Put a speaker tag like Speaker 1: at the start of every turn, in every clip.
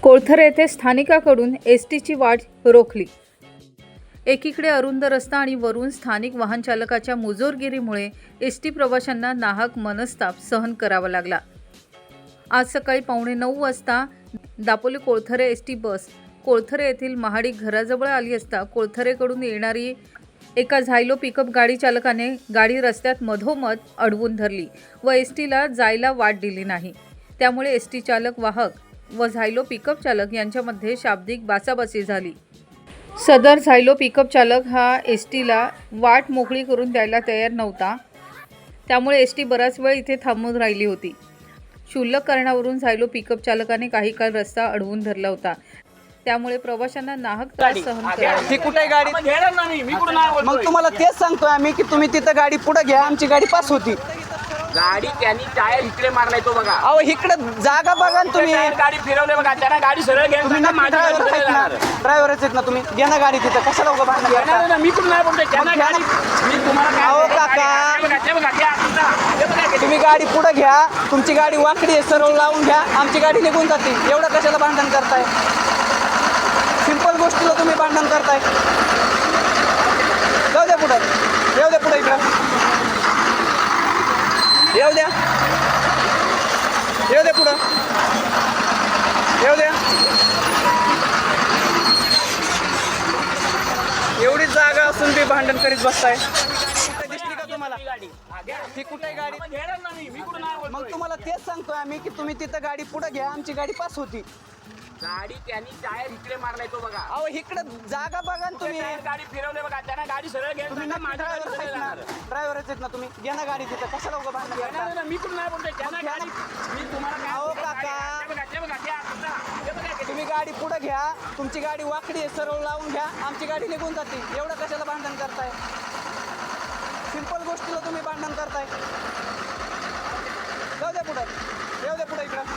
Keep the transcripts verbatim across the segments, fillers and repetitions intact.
Speaker 1: कोळथर येथे स्थानिकाकडून एस टीची वाट रोखली। एकीकडे अरुंद रस्ता आणि वरून स्थानिक वाहन चालकाच्या मुजोरगिरीमुळे एस टी प्रवाशांना नाहक मनस्ताप सहन करावा लागला। आज सकाळी पावणे नऊ वाजता Dapoli Kolthare S T bus Kolthare येथील महाडी घराजवळ आली असता कोळथरेकडून येणारी एका झायलो पिकअप गाडी चालकाने गाडी रस्त्यात मधोमध अडवून धरली व एस टीला जायला वाट दिली नाही। त्यामुळे एस टी चालक वाहक व झायलो पिकअप चालक यांच्यामध्ये शाब्दिक बाचाबाची झाली। सदर झायलो पिकअप चालक हा एस टीला वाट मोकळी करून द्यायला तयार नव्हता। त्यामुळे एस टी बराच वेळ इथे थांबून राहिली होती। क्षुल्लक कारणावरून झायलो पिकअप चालकाने काही काळ रस्ता अडवून धरला होता। त्यामुळे प्रवाशांना नाहक त्रास सहन करावा
Speaker 2: ती कुठे गाडी मग तुम्हाला तेच सांगतोय आम्ही की तुम्ही तिथं गाडी पुढे घ्या, आमची गाडी पास होती।
Speaker 3: गाडी त्यांनी टायर इकडे मारलाय तो बघा।
Speaker 2: अहो इकडे जागा बघा ना तुम्ही,
Speaker 3: गाडी फिरवले बघा, त्यांना गाडी सरळ घ्या।
Speaker 2: तुम्ही ना ड्रायव्हर आहेत ना, ड्रायव्हरच आहेत ना तुम्ही, घ्या ना गाडी तिथं, कशाला उगा भांडण करता?
Speaker 3: मी कुठं नाही बोलतोय, त्यांना गाडी मी तुम्हाला
Speaker 2: अहो काका तुम्ही गाडी पुढे घ्या, तुमची गाडी वाकडी आहे, सरळ लावून घ्या, आमची गाडी निघून जाते। एवढं कशाला भांडण करताय? सिंपल गोष्टीला तुम्ही भांडण करताय। जाऊ द्या पुढे, येऊ द्या पुढे, इकडं येऊ द्या, येऊ द्या पुढं, येऊ द्या। एवढी जागा असून बी भांडण करीत बसताय। दिसली का तुम्हाला ती कुठे गाडी? मग तुम्हाला तेच सांगतोय आम्ही की तुम्ही तिथं गाडी पुढे घ्या, आमची गाडी पास होती।
Speaker 3: गाडी त्यांनी टायर इकडे मारलाय तो बघा।
Speaker 2: अहो इकडे जागा बघा ना तुम्ही,
Speaker 3: गाडी फिरवले बघा, त्यांना गाडी सरळ घ्या।
Speaker 2: तुम्ही ना ड्रायव्हर आहेत ना, ड्रायव्हरच आहेत ना तुम्ही, घ्या ना गाडी तिथं, कशाला उगा भांडण करता?
Speaker 3: मी कुठं नाही बोलतोय, त्यांना गाडी मी तुम्हाला
Speaker 2: अहो काका तुम्ही गाडी पुढे घ्या, तुमची गाडी वाकडी आहे, सरळ लावून घ्या, आमची गाडी निघून जाते। एवढं कशाला भांडण करताय? सिंपल गोष्टीला तुम्ही भांडण करताय। जाऊ द्या पुढे, येऊ द्या पुढे, इकडं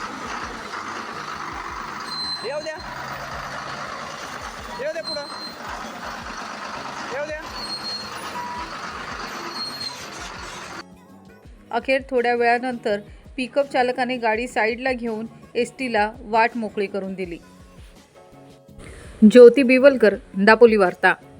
Speaker 2: येऊ द्या, येऊ द्या पुढं, येऊ द्या।
Speaker 1: अखेर थोड्या वेळानंतर पिकअप चालकाने गाडी साईडला घेऊन एस टीला वाट मोकळी करून दिली। ज्योती बिवलकर, दापोली वार्ता।